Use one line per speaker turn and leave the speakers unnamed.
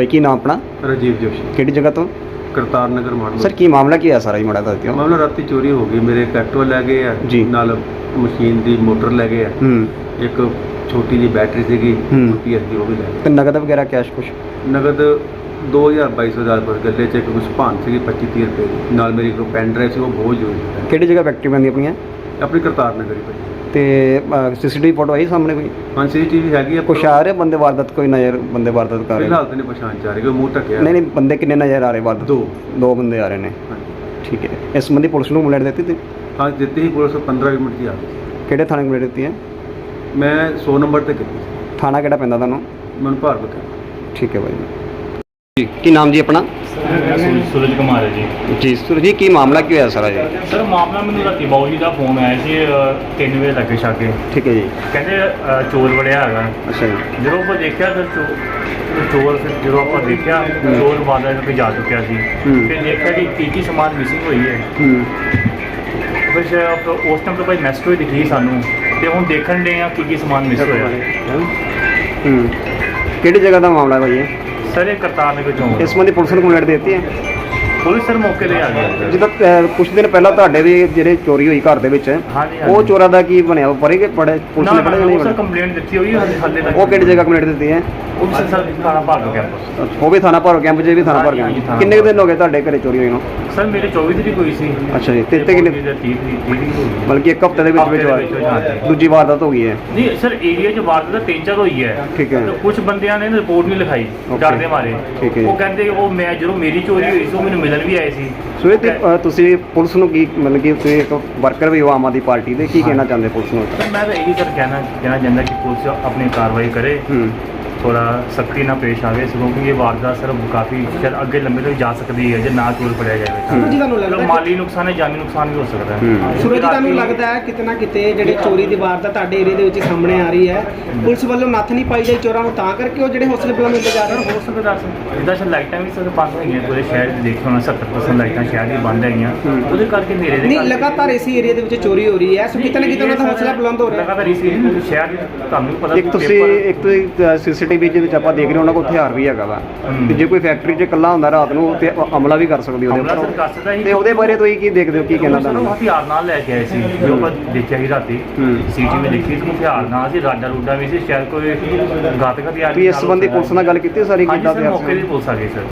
ਭਾਈ ਕੀ ਨਾਮ ਆਪਣਾ?
ਰਾਜੀਵ ਜੋਸ਼ੀ,
ਕਿਹੜੀ ਜਗ੍ਹਾ ਤੋਂ?
ਕਰਤਾਰ ਨਗਰ ਮਾਡਲ।
ਸਰ ਕੀ ਮਾਮਲਾ ਕੀ ਹੈ ਸਾਰਾ ਜੀ, ਮਾੜਾ ਦੱਸ ਦਿਓ।
ਮਾਮਲਾ ਰਾਤੀ ਚੋਰੀ ਹੋ ਗਈ, ਮੇਰੇ ਇੱਕ ਐਕਟਿਵਾ ਲੈ ਗਏ ਆ
ਜੀ।
ਨਾਲ ਮਸ਼ੀਨ ਦੀ ਮੋਟਰ ਲੈ ਗਏ ਆ, ਇੱਕ ਛੋਟੀ ਜਿਹੀ ਬੈਟਰੀ ਸੀਗੀ ਪੀਐਸ ਦੀ, ਉਹ ਵੀ ਲੈ ਗਏ।
ਤੇ ਨਗਦ ਵਗੈਰਾ ਕੈਸ਼ ਕੁਛ?
ਨਗਦ 2200 ਪਰ ਗੱਲੇ 'ਚ ਇੱਕ ਕੁਛ ਭਾਨ ਸੀਗੀ 25-30 ਰੁਪਏ ਦੀ, ਨਾਲ ਮੇਰੀ ਇੱਕ ਪੈਨ ਡਰਾਈਵ ਸੀ, ਉਹ ਬਹੁਤ ਜ਼ਰੂਰੀ ਸੀ।
ਕਿਹੜੀ ਜਗ੍ਹਾ ਫੈਕਟਰੀ ਬੰਦੀ ਆਪਣੀਆਂ?
ਆਪਣੀ ਕਰਤਾਰ ਨਗਰ ਹੀ ਭਾਈ।
ਤੇ ਸੀਸੀਟੀਵੀ ਫੋਟੋ ਆਈ ਸਾਹਮਣੇ ਕੋਈ?
ਹਾਂ ਸੀਸੀਟੀਵੀ ਹੈਗੀ ਆ।
ਕੁਛ ਆ ਰਹੇ ਬੰਦੇ ਵਾਰਦਾਤ, ਕੋਈ ਨਜ਼ਰ ਬੰਦੇ ਵਾਰਦਾਤ ਕਰ ਰਹੇ?
ਫਿਲਹਾਲ ਤਾਂ ਨਹੀਂ ਪਛਾਣ ਚ ਆ ਰਹੀ, ਕੋਈ ਮੂੰਹ ਢੱਕਿਆ।
ਨਹੀਂ ਨਹੀਂ, ਬੰਦੇ ਕਿੰਨੇ ਨਜ਼ਰ ਆ ਰਹੇ ਵਾਰਦਾਤ? ਦੋ ਬੰਦੇ ਆ ਰਹੇ ਨੇ।
ਹਾਂਜੀ
ਠੀਕ ਹੈ, ਇਸ ਸੰਬੰਧੀ ਪੁਲਿਸ ਨੂੰ ਕੰਪਲੇਂਟ ਦਿੱਤੀ ਤੀ?
ਹਾਂ ਦਿੱਤੀ ਸੀ, ਪੁਲਿਸ 15 ਮਿੰਟ ਦੀ ਆ ਗਈ।
ਕਿਹੜੇ ਥਾਣੇ ਕੰਪਲੇਂਟ ਦਿੱਤੀ ਹੈ?
ਮੈਂ 100 ਨੰਬਰ ਤੇ ਕੀਤੀ ਸੀ।
ਥਾਣਾ ਕਿਹੜਾ ਪੈਂਦਾ ਤੁਹਾਨੂੰ?
ਮਨ ਭਾਰਤ।
ਠੀਕ ਹੈ ਭਾਈ ਜੀ। ਕੀ ਨਾਮ ਜੀ ਆਪਣਾ?
सूरज कुमार है जी।
ਜੀ ਸੁਰਜੀ, ਕੀ ਮਾਮਲਾ ਕੀ ਹੋਇਆ ਸਾਰਾ ਜੀ?
सर मामला मैंने राती बाऊ जी का फोन आया ਸੀ 3 ਵਜੇ ਲੱਗੇ ਛਾਕੇ,
ਠੀਕ ਹੈ ਜੀ।
ਕਹਿੰਦੇ ਚੋਰ ਵੜਿਆ ਹੈਗਾ।
ਅੱਛਾ ਜੀ।
ਜਦੋਂ ਆਪਾਂ ਦੇਖਿਆ ਫਿਰ ਚੋਰ ਫਿਰ ਜਦੋਂ ਆਪਾਂ ਦੇਖਿਆ ਚੋਰ ਬਾਜ਼ਾਰ ਤੇ ਜਾ ਚੁੱਕਿਆ ਸੀ। ਫਿਰ ਦੇਖਿਆ ਕਿ ਕੀ ਸਮਾਨ ਮਿਸਿੰਗ ਹੋਈ ਹੈ। ਫਿਰ ਉਸ ਟਾਈਮ ਤੋਂ ਭਾਈ ਮੈਸੇਜ ਹੋਈ ਦਿਖੀ ਸਾਨੂੰ, ਤੇ ਹੁਣ ਦੇਖਣ ਦੇ ਆ ਕੀ ਸਮਾਨ ਮਿਸ ਹੋਇਆ।
ਕਿਹੜੀ ਜਗ੍ਹਾ ਦਾ ਮਾਮਲਾ ਭਾਈ ਇਹ?
ਸਰ ਇਹ ਕਰਤਾਰ ਨਗਰ ਚੌਂਕ।
ਇਸ ਸੰਬੰਧੀ ਪੁਲਿਸ ਨੂੰ ਕੰਪਲੇਂਟ ਦਿੱਤੀ ਹੈ?
ਪੁਲਿਸ ਸਰ ਮੌਕੇ ਤੇ ਆ ਗਈ।
ਜਿੱਦਾਂ ਕੁਝ ਦਿਨ ਪਹਿਲਾਂ ਤੁਹਾਡੇ ਵੀ ਜਿਹੜੇ ਚੋਰੀ ਹੋਈ ਘਰ ਦੇ ਵਿੱਚ,
ਹਾਂਜੀ
ਉਹ ਚੋਰਾਂ ਦਾ ਕੀ ਬਣਿਆ? ਉਹ ਪੜੇ ਪੁਲਿਸ ਨੇ ਪੜੇ ਨਹੀਂ
ਸਰ
ਬਣੇ?
ਕੰਪਲੇਂਟ ਦਿੱਤੀ ਹੋਈ ਹਾਲੇ ਤੱਕ।
ਉਹ ਕਿਹੜੀ ਜਗ੍ਹਾ ਕੰਪਲੇਂਟ ਦਿੱਤੀ ਹੈ?
ਉਹ ਵੀ ਸਰ ਥਾਣਾ ਭਾਰਗਵ ਕੈਂਪਸ।
ਉਹ ਵੀ ਥਾਣਾ ਭਰੋ ਕੈਂਪ 'ਚ ਵੀ ਥਾਣਾ ਭਰ
ਹਾਂਜੀ,
ਕੈਂਪ।
ਥਾਣਾ
ਕਿੰਨੇ ਕੁ ਦਿਨ ਹੋ ਗਏ ਤੁਹਾਡੇ ਘਰੇ ਚੋਰੀ ਹੋਈ ਨੂੰ?
ਸਰ ਮੇਰੇ 24 ਤਰੀਕ ਹੋਈ ਸੀ।
ਅੱਛਾ ਜੀ। ਤੇ ਕਿੰਨੇ?
30 ਤਰੀਕ ਹੋਈ।
ਬਲਕਿ ਇੱਕ ਹਫ਼ਤੇ ਦੇ ਵਿੱਚ
ਹਫ਼ਤੇ ਦੇ ਵਿੱਚ, ਹਾਂਜੀ।
ਦੂਜੀ ਵਾਰਦਾਤ ਹੋ ਗਈ ਹੈ?
ਨਹੀਂ ਸਰ ਏਰੀਆ 'ਚ ਵਾਰਦਾਤ 3-4 ਹੋਈ ਹੈ।
ਠੀਕ ਹੈ।
ਕੁਝ ਬੰਦਿਆਂ ਨੇ ਰਿਪੋਰਟ ਨਹੀਂ ਲਿਖਾਈ ਡਰ ਦੇ ਮਾਰੇ।
ਠੀਕ ਹੈ।
ਉਹ ਕਹਿੰਦੇ ਉਹ ਮੈਂ ਜਦੋਂ ਮੇਰੀ ਚੋਰੀ ਹੋਈ ਸੀ ਉਹ ਮੈਨੂੰ ਮਿਲਣ ਵੀ ਆਏ ਸੀ।
ਸੋ ਇਹ ਤੇ ਤੁਸੀਂ ਪੁਲਿਸ ਨੂੰ ਕੀ ਮਤਲਬ ਕਿ ਤੁਸੀਂ ਇੱਕ ਵਰਕਰ ਵੀ ਹੋ ਆਮ ਆਦਮੀ ਪਾਰਟੀ ਦੇ, ਕੀ ਕਹਿਣਾ ਚਾਹੁੰਦੇ ਪੁਲਿਸ ਨੂੰ?
ਸਰ ਮੈਂ ਤਾਂ ਇਹੀ ਸਰ ਕਹਿਣਾ ਚਾਹੁੰਦਾ ਕਿ ਪੁਲਿਸ ਆਪਣੀ ਕਾਰਵਾਈ ਕਰੇ, ਥੋੜਾ ਸਖਤੀ ਨਾਲ ਪੇਸ਼ ਆਵੇ, ਕਿਉਂਕਿ ਇਹ ਵਾਰਦਾਤ ਸਰ ਕਾਫੀ ਚਿਰ ਅੱਗੇ ਲੰਬੇ ਤੱਕ ਜਾ ਸਕਦੀ ਹੈ ਜੇ ਨਾ ਚੋਰ ਫੜਿਆ ਜਾਵੇ।
ਸੂਰਜ ਜੀ ਤੁਹਾਨੂੰ ਲੱਗਦਾ
ਮਾਲੀ ਨੁਕਸਾਨ ਹੈ, ਜਾਨੀ ਨੁਕਸਾਨ ਵੀ ਹੋ ਸਕਦਾ ਹੈ।
ਸੂਰਜ ਜੀ ਤੁਹਾਨੂੰ ਲੱਗਦਾ ਹੈ ਕਿਤੇ ਨਾ ਕਿਤੇ ਜਿਹੜੇ ਚੋਰੀ ਦੀ ਵਾਰਦਾਤ ਤੁਹਾਡੇ ਏਰੀਆ ਦੇ ਵਿੱਚ ਸਾਹਮਣੇ ਆ ਰਹੀ ਹੈ, ਪੁਲਿਸ ਵੱਲੋਂ ਨੱਥ ਨਹੀਂ ਪਾਈ ਜਾਈ ਚੋਰਾਂ ਨੂੰ, ਤਾਂ ਕਰਕੇ ਉਹ ਜਿਹੜੇ ਹੌਸਲੇ ਬੁਲੰਦ ਹੁੰਦੇ ਜਾ ਰਹੇ?
ਹੋ ਸਕਦਾ ਸਰ ਜਿੱਦਾਂ ਸਰ ਲਾਈਟਾਂ ਵੀ ਸਰ ਬੰਦ ਹੋਈਆਂ ਪੂਰੇ ਸ਼ਹਿਰ 'ਚ, ਦੇਖਿਆ ਹੋਣਾ 70% ਲਾਈਟਾਂ ਸ਼ਹਿਰ ਦੀ ਬੰਦ ਹੈਗੀਆਂ, ਉਹਦੇ ਕਰਕੇ ਮੇਰੇ
ਨਹੀਂ ਲਗਾਤਾਰ ਇਸੇ ਏਰੀਆ ਦੇ ਵਿੱਚ ਚੋਰੀ ਹੋ ਰਹੀ ਹੈ, ਸੋ ਕਿਤੇ ਨਾ ਕਿਤੇ ਉਹਨਾਂ ਦਾ ਹੌਸਲਾ ਬੁਲੰਦ ਹੋ ਰਿਹਾ।
ਲਗਾਤਾਰ ਇਸ ਸ਼ਹਿਰ ਦੀ ਤੁਹਾਨੂੰ ਪਤਾ
ਇੱਕ ਤੁਸੀਂ ਸੀਸੀਟੀਵੀ ਦੇ ਵਿੱਚ ਆਪਾਂ ਦੇਖ ਰਹੇ ਉਹਨਾਂ ਕੋਲ ਹਥਿਆਰ ਵੀ ਹੈਗਾ ਵਾ, ਤੇ ਜੇ ਕੋਈ ਫੈਕਟਰੀ 'ਚ ਇਕੱਲਾ ਹੁੰਦਾ ਰਾਤ ਨੂੰ ਤੇ ਹਮਲਾ ਵੀ ਕਰ ਸਕਦੀ ਉਹਦੇ ਉੱਪਰ, ਤੇ ਉਹਦੇ ਬਾਰੇ ਤੁਸੀਂ ਕੀ ਦੇਖਦੇ ਹੋ, ਕੀ ਕਹਿਣਾ ਤੁਹਾਨੂੰ?
ਹਥਿਆਰ ਨਾਲ ਲੈ ਕੇ ਆਏ ਸੀ, ਜੋ ਆਪਾਂ ਦੇਖਿਆ ਸੀ ਰਾਤੀ ਸੀਟੀਵੀ ਦੇਖੀ ਤੇ ਹਥਿਆਰ ਨਾਲ ਸੀ, ਰਾਡਾ ਰੂਡਾ ਵੀ ਸੀ, ਸ਼ਾਇਦ ਕੋਈ ਘਾਤਕ ਹਥਿਆਰ।
ਵੀ ਇਸ ਸੰਬੰਧੀ ਪੁਲਿਸ ਨਾਲ ਗੱਲ ਕੀਤੀ ਸਾਰੀ?
ਹਾਂਜੀ ਸਰ ਮੌਕੇ ਦੀ ਪੁਲਿਸ ਆ ਗਈ ਸਰ।